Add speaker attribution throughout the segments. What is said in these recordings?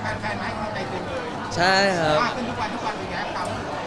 Speaker 1: แฟนๆให้กำลังใจเต็มเลย
Speaker 2: ใช่ครับ
Speaker 1: มากขึ้นทุกวันเป็นไงครับ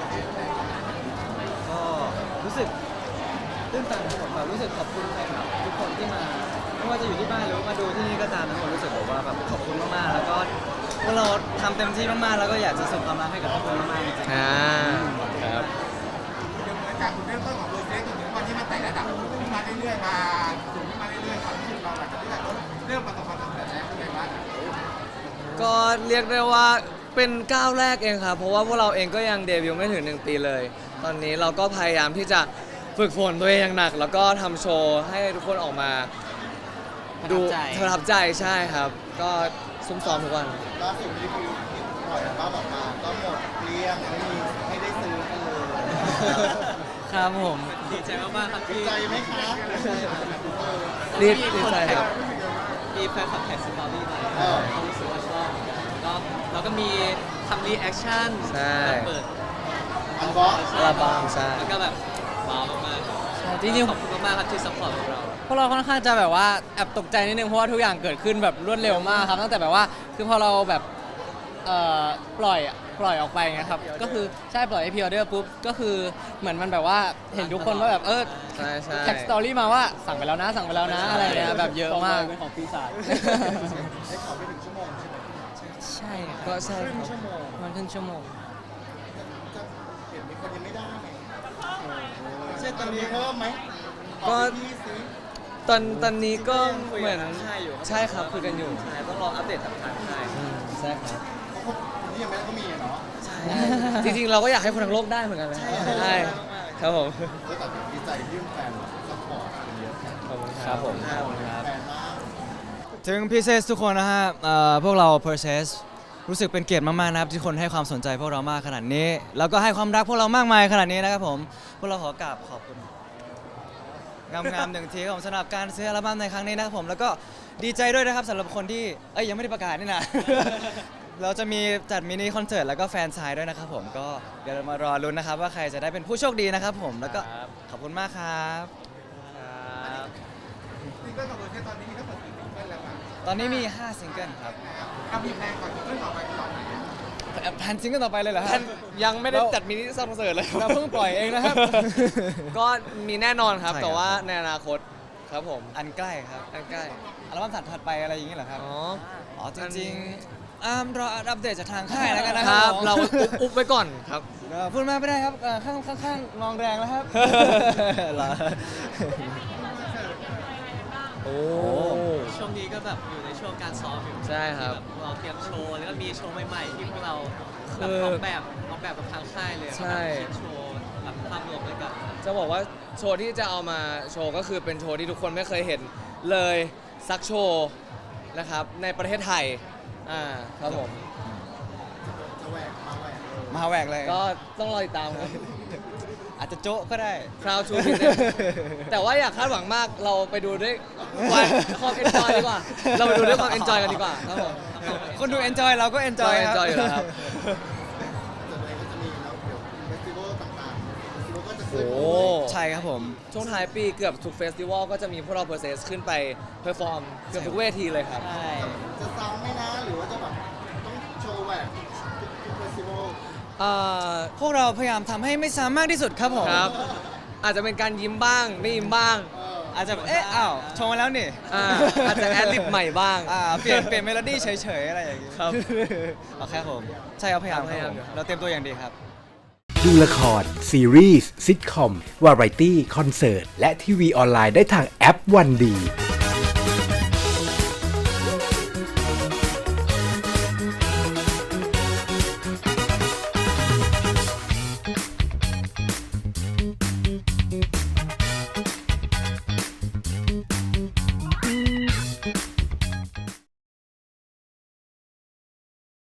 Speaker 3: ก็รู้สึกตื้นตันครับผมแบบรู้สึกขอบคุณแฟนคลับทุกคนที่มาไม่ว่าจะอยู่ที่บ้านหรือว่ามาดูที่นี่ก็ตามทั้งหมดรู้สึกแบบว่าแบบขอบคุณมากๆแล้วก็พวกเราทำเต็มที่มากๆแล้วก็อยากจะส่งความรักให้กับทุกคนมากๆจริงๆ
Speaker 2: ครับ
Speaker 1: เดี๋ยวเหมือนจากคุณเริ่มต้นของเบอร์เซ็กจนถึงวันที่มันไต่ระดับขึ้นมาเรื่อยๆมาสูงขึ้นมาเรื่อยๆความรู้สึกเราหลังจากที่แบบเริ่มประสบความสำเร็จแล้วเป็นไงบ้าง
Speaker 2: ก็เรียกได้ว่าเป็นก้าวแรกเองครับเพราะว่าพวกเราเองก็ยังเดบิวต์ไม่ถึง1 ปีเลย ตอนนี้เราก็พยายามที่จะฝึกฝนตัวเองอย่างหนัก แล้วก็ทำโชว์ให้ทุกคนออกมาดูประทับใจใช่ครับ ก็ซุ่มซ้อมทุกวัน
Speaker 1: ล่าสุดที่พี่ปล่อยอัลบั้มออกมาก็หมดเกลี้ยงไม่มีให้ได้ซื้อกันเลย
Speaker 3: ครับผมดีใจมากๆครับ
Speaker 1: ดี
Speaker 3: ที่
Speaker 1: ใจไหมคะ
Speaker 2: ดีใจครับ
Speaker 3: มีแฟนคลับแท็กสตอรี่มาเขารู้สึกว่าชอบก็เราก็มีทำรีแอคชั่น
Speaker 2: ใช่
Speaker 3: เปิด
Speaker 1: อัลบั้ม
Speaker 2: อัลบั้มใช่
Speaker 3: แล้วก็แบบว้าวมากๆจริงๆขอบคุณมากๆครับที่ซัพพอร์ตเรา
Speaker 4: พวกเราค่อนข้างจะแบบว่าแอบตกใจนิดนึงเพราะว่าทุกอย่างเกิดขึ้นแบบรวดเร็วมากครับตั้งแต่แบบว่าคือพอเราแบบปล่อยออกไปไงครับก็คือใช่ปล่อยให้พรีออเดอร์ปุ๊บก็คือเหมือนมันแบบว่าเห็นทุกคนว่าแบบ
Speaker 2: ใช่ใช่
Speaker 4: แท็กสตอรี่มาว่าสั่งไปแล้วนะอะไรเงี้ยแบบเยอะมาก
Speaker 3: เป็นของปีศาจ
Speaker 1: ได้ข่าวไปถึงชั่วโมงใช่ไหม
Speaker 4: ใช่ครับ
Speaker 2: ก็ใช่
Speaker 1: ครึ่
Speaker 2: ค
Speaker 1: ง
Speaker 2: รับ
Speaker 1: ชั่วโมง
Speaker 4: มันครึ่งชั่วโมง
Speaker 1: จะเห็นมีคนยังไม่ได้ไงเช่นตอนนี้เพิ่มไหม
Speaker 2: ก็
Speaker 1: พี่สิ
Speaker 2: ตอนนี้ก็เหมือน
Speaker 3: ใช่อยู่
Speaker 2: ใช่ครับคุยกันอยู่
Speaker 3: ใช่ต้องรออัปเดตจากทางค่าย
Speaker 2: ใช่ครับ
Speaker 1: เพราะคนที่ยังไม่ได้ก็มีอะเนาะ
Speaker 2: จริงๆเราก็อยากให้คนทั้งโลกได้เหมือนกันนะใช่ครับผม
Speaker 1: ก็แต่ดีใจที่แฟนซัพพอร์ตกันเยอะ
Speaker 2: ขอบคุณ
Speaker 3: ครับผม
Speaker 1: แฟนมาก
Speaker 3: ถึงพีเซสทุกคนนะฮะพวกเรา Process รู้สึกเป็นเกียรติมากๆนะครับที่คนให้ความสนใจพวกเรามากขนาดนี้แล้วก็ให้ความรักพวกเรามากมายขนาดนี้นะครับผมพวกเราขอกราบขอบคุณงามๆหนึ่งทีครับผมสำหรับการซื้ออัลบั้มในครั้งนี้นะครับผมแล้วก็ดีใจด้วยนะครับสำหรับคนที่ยังไม่ได้ประกาศนี่นะ เราจะมีจัดมินิคอนเสิร์ตแล้วก็แฟนซายด้วยนะครับผมก็เดี๋ยวเรามารอลุ้นนะครับว่าใครจะได้เป็นผู้โชคดีนะครับผมแล้วก็ขอบคุณมากครับ
Speaker 1: ซิงเกิลของเบอร์เซ็กตอนนี้มีทั้งหมดกี่ซิงเกิลแล้วครับ
Speaker 3: ตอนนี้มี5ซิงเกิลครับ
Speaker 1: เอามีแพลนก่อนซิงเกิลต่อไปก่อนไหน
Speaker 3: แพลนซิงเกิลต่อไปเลยเหรอฮะ
Speaker 2: ท่านยังไม่ได้จัดมินิคอนเสิร์ตเลย
Speaker 3: เราเพิ่งปล่อยเองนะครับ
Speaker 2: ก็มีแน่นอนครับ
Speaker 3: ใช่ครับ
Speaker 2: แต่ว่าในอนาคตครับผม
Speaker 3: อันใกล้ครับ
Speaker 2: ใกล้
Speaker 3: อัลบั้มถัดไปอะไรอย่างเงี้ยเหรอครับ
Speaker 2: ๆอ๋อ
Speaker 3: อ๋อจริงๆรออัปเดตจากทางค่ายแล้วกันนะ
Speaker 2: ค
Speaker 3: ค
Speaker 2: รั
Speaker 3: รั
Speaker 2: บบ เราอุ๊บไว้ก่อนครับ
Speaker 3: พูดมากไม่ได้ครับข้างๆมองแรงแล้วครับ เหรอ
Speaker 2: โอ้
Speaker 5: ช่วงนี้ก็แบบอยู่ในช่วงการซ้อมอยู่
Speaker 2: ใช่ครับ
Speaker 5: ที่แเราเตรียมโชว์แล้วก็มีโชว์ใหม่ๆที่พวกเรา
Speaker 2: คื
Speaker 5: แบบ
Speaker 2: อ
Speaker 5: ออกแบบกับทางค่ายเลย
Speaker 2: ใช่
Speaker 5: คิดโชว์แบบภาพรวมด้วยกัน
Speaker 2: จะบอกว่าโชว์ที่จะเอามาโชว์ก็คือเป็นโชว์ที่ทุกคนไม่เคยเห็นเลยสักโชว์นะครับในประเทศไทยครับผม
Speaker 1: จะแหวกมาแหวกเลย
Speaker 3: มาแหวกเลย
Speaker 2: ก็ต้องรอติดตามครับ
Speaker 3: อาจจะโจ๊ะก็ได้
Speaker 2: คราวชูพิเศษแต่ว่าอยากคาดหวังมากเราไปดูด้วยความเอนจอยดีกว่า เราไปดูด้วยความเอนจอยกันดีกว่าครับผม
Speaker 3: คนดู enjoy เราก็ enjoy ครับ
Speaker 2: enjoy อยู่แล้วครับ
Speaker 1: จะอะไรก็จะมีแล้วเดี๋ยวเฟสติวัลต่างๆเฟสติวัลก็จะ
Speaker 2: โอ้
Speaker 1: ขึ้น
Speaker 3: ใช่ครับผม
Speaker 2: ช่วงท้ายปีเกือบทุกเฟสติวัลก็จะมีพวกเราเพอร์เซสขึ้นไปเพอร์ฟอร์มเกือบทุกเวทีเลยครับ
Speaker 3: ใช่
Speaker 1: จะซ้ำไหมนะหรือว่าจะแบบต้องโชว์แหวกทุกเฟสติวัล
Speaker 3: พวกเราพยายามทำให้ไม่ซ้ำมากที่สุดครับผม
Speaker 2: ครับ อาจจะเป็นการยิ้มบ้าง ไม่ยิ้มบ้าง
Speaker 3: อาจจะอ้าวโชว์มาแล้วนี่
Speaker 2: อาจจะแอดลิปใหม่บ้าง
Speaker 3: เปลี่ยนเมโลดี้เฉยๆอะไรอย่างงี้
Speaker 2: ครับ
Speaker 3: โอเคผมใช่ครับพยายามครับผม
Speaker 2: พยายามอยู่ครับ
Speaker 3: เราเตรียมตัวอย่างดีครับ
Speaker 6: ดูละคร ซีรีส์ซิทคอม วาไรตี้ คอนเสิร์ต และทีวีออนไลน์ได้ทางแอปวันดี